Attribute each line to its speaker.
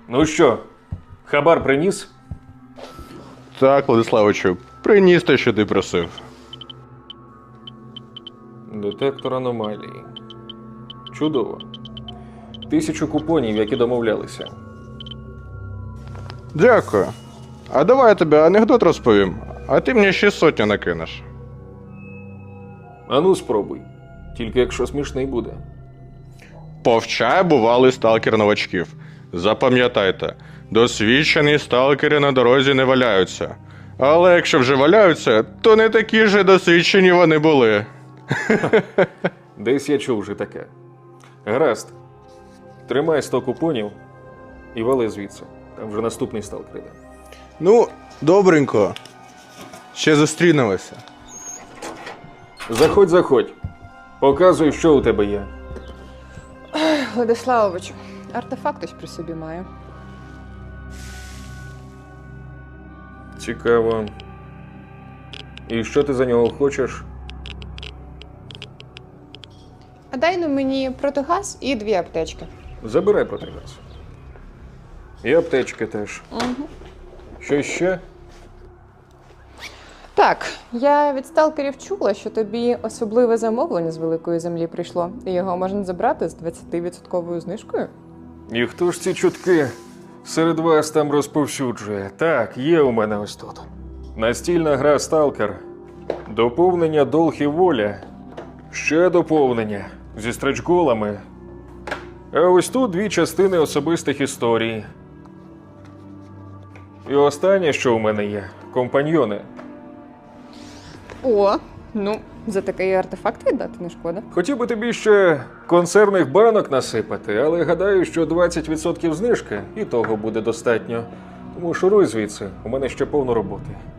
Speaker 1: Ну що, хабар приніс?
Speaker 2: Так, Владиславовичу, приніс те, що ти просив.
Speaker 1: Детектор аномалії. Чудово. 1000 купонів, як і домовлялися.
Speaker 2: Дякую. А давай я тобі анекдот розповім, а ти мені ще 100 накинеш.
Speaker 1: Ану, спробуй. Тільки якщо смішний буде.
Speaker 2: Повчає бувалий сталкер новачків. Запам'ятайте, досвідчені сталкери на дорозі не валяються. Але якщо вже валяються, то не такі ж досвідчені вони були.
Speaker 1: Десь я чув вже таке. Гаразд. Тримай 100 купонів і вали звідси. Там вже наступний сталкер іде.
Speaker 2: Ну, добренько. Ще зустрінемося.
Speaker 1: Заходь, заходь. Показуй, що у тебе є.
Speaker 3: Владиславович, артефакт ось при собі маю.
Speaker 1: Цікаво. І що ти за нього хочеш?
Speaker 3: А дай ну мені протигаз і 2 аптечки.
Speaker 1: Забирай протигаз. І аптечки теж.
Speaker 3: Угу.
Speaker 1: Що ще?
Speaker 3: Так, я від сталкерів чула, що тобі особливе замовлення з великої землі прийшло, і його можна забрати з 20% знижкою.
Speaker 1: І хто ж ці чутки серед вас там розповсюджує? Так, є у мене ось тут. Настільна гра «Сталкер». Доповнення «Долг і воля». Ще доповнення зі стретч-голами. А ось тут 2 частини особистих історій. І останнє, що у мене є – компаньйони.
Speaker 3: О, ну, за такий артефакт віддати не шкода.
Speaker 1: Хотів би тобі ще консервних банок насипати, але гадаю, що 20% знижки і того буде достатньо. Тому шуруй звідси, у мене ще повно роботи.